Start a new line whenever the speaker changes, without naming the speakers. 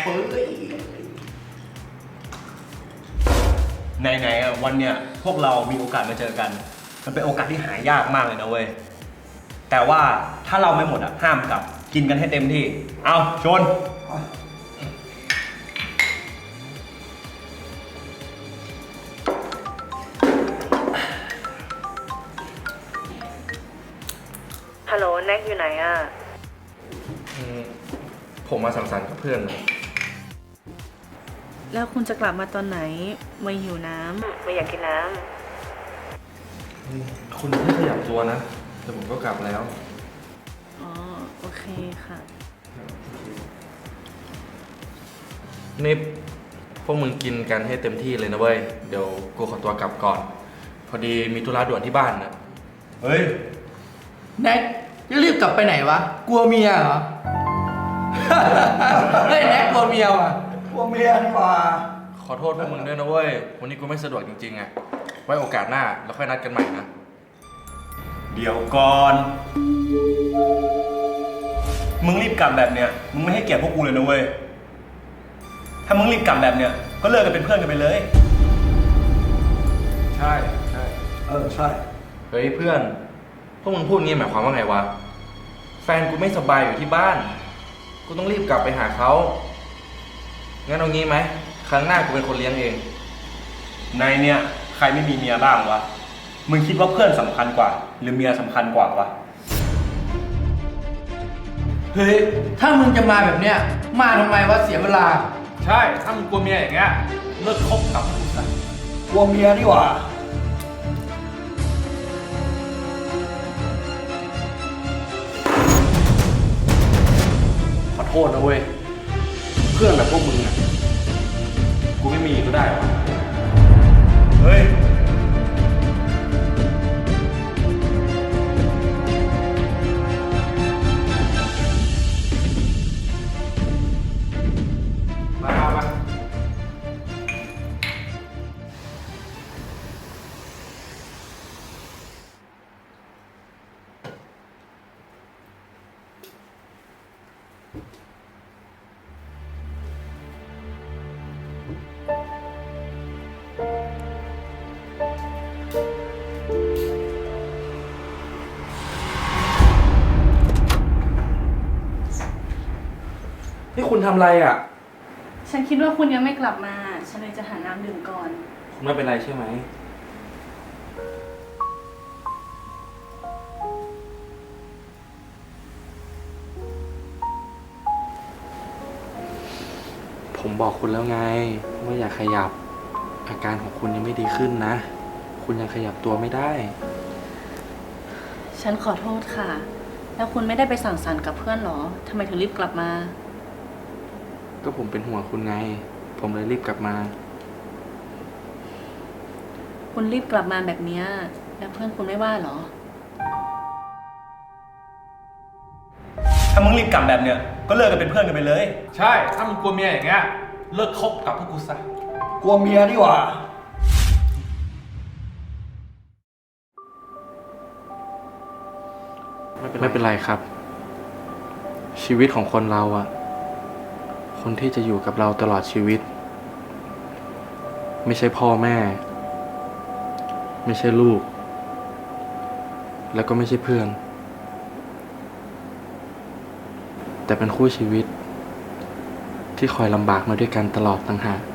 เฟ้ย
ไหนๆวันเนี้ยพวกเรามีโอกาสมาเจอกันมันเป็นโอกาสที่หายากมากเลยนะเว้ยแต่ว่าถ้าเราไม่หมดอ่ะห้ามกลับกินกันให้เต็มที่เอาชน
ฮัลโหลแน็กอยู่ไหนอ่ะ
ผมมาสังสรรค์กับเพื่อนนะ
แล้วคุณจะกลับมาตอนไหนไม่หิวน้ำไม่อยากกินน้
คุณไม่ขยับตัวนะแต่ผมก็กลับแล้ว
ำอ๋อโอเคค่ะ
นี่พวกมึงกินกันให้เต็มที่เลยนะเว้ยเดี๋ยวกูขอตัวกลับก่อน พอดีมีธุระด่วนที่บ้านนะ
เฮ้ย
แน็กจะรีบกลับไปไหนวะกลัวเมียเหรอ เฮ้ยแน็กกลัวเมียว่ะกลัวเมียนี่ว่า
ขอโทษพวกมึงด้วยนะเว้ยวันนี้กูไม่สะดวกจริงๆอ่ะไว้โอกาสหน้าเราค่อยนัดกันใหม่นะ
เดี๋ยวก่อน มึงรีบกลับแบบเนี้ย มึงไม่ให้เกียรติพวกกูเลยนะเว้ย ถ้ามึงรีบกลับแบบเนี้ย ก็เลิกกันเป็นเพื่อนกันไปเลย
ใช่ใช่
ใช่
เฮ้ยเพื่อนพวกมึงพูดงี้หมายความว่าไงวะแฟนกูไม่สบายอยู่ที่บ้านกูต้องรีบกลับไปหาเขางั้นเอางี้ไหมครั้งหน้ากูเป็นคนเลี้ยงเอง
ในเนี้ยใครไม่มีเมียบ้างวะ มึงคิดว่าเพื่อนสำคัญกว่า หรือเมียสำคัญกว่าวะ
เฮ้ยถ้ามึงจะมาแบบเนี้ยมาทำไมวะเสียเวลา
ใช่ถ้ามึงกลัวเมียอย่างเงี้ยเลิกคบกับกูซะ
กลัวเมียนี่หว่า
ขอโทษนะเว้ยเพื่อนแบบพวกมึงอ่ะกูไม่มีก็ได้วะ
เฮ้ย
มา นี่คุณทำอะไรอ่ะ
ฉันคิดว่าคุณยังไม่กลับมา ฉันเลยจะหาน้ำดื่มก่อน
คุณไม่เป็นไรใช่ไหม ผมบอกคุณแล้วไงว่าอย่าขยับ อาการของคุณยังไม่ดีขึ้นนะ คุณยังขยับตัวไม่ได้
ฉันขอโทษค่ะ แล้วคุณไม่ได้ไปสังสรรค์กับเพื่อนหรอทำไมถึงรีบกลับมา
ก็ผมเป็นห่วงคุณไง ผมเลยรีบกลับมา
คุณรีบกลับมาแบบเนี้ยแล้วเพื่อนคุณไม่ว่าหรอ
ถ้ามึงรีบกลับแบบเนี้ย ก็เลิกกันเป็นเพื่อนกันไปเลย
ใช่ ถ้ามึงกลัวเมียอย่างเงี้ย เลิกคบกับพวกกูซะ
กลัวเมียนี่หว่า
ไม่เป็นไรครับ ชีวิตของคนเราอะคนที่จะอยู่กับเราตลอดชีวิต ไม่ใช่พ่อแม่ ไม่ใช่ลูก แล้วก็ไม่ใช่เพื่อน แต่เป็นคู่ชีวิตที่คอยลำบากมาด้วยกันตลอดต่างหาก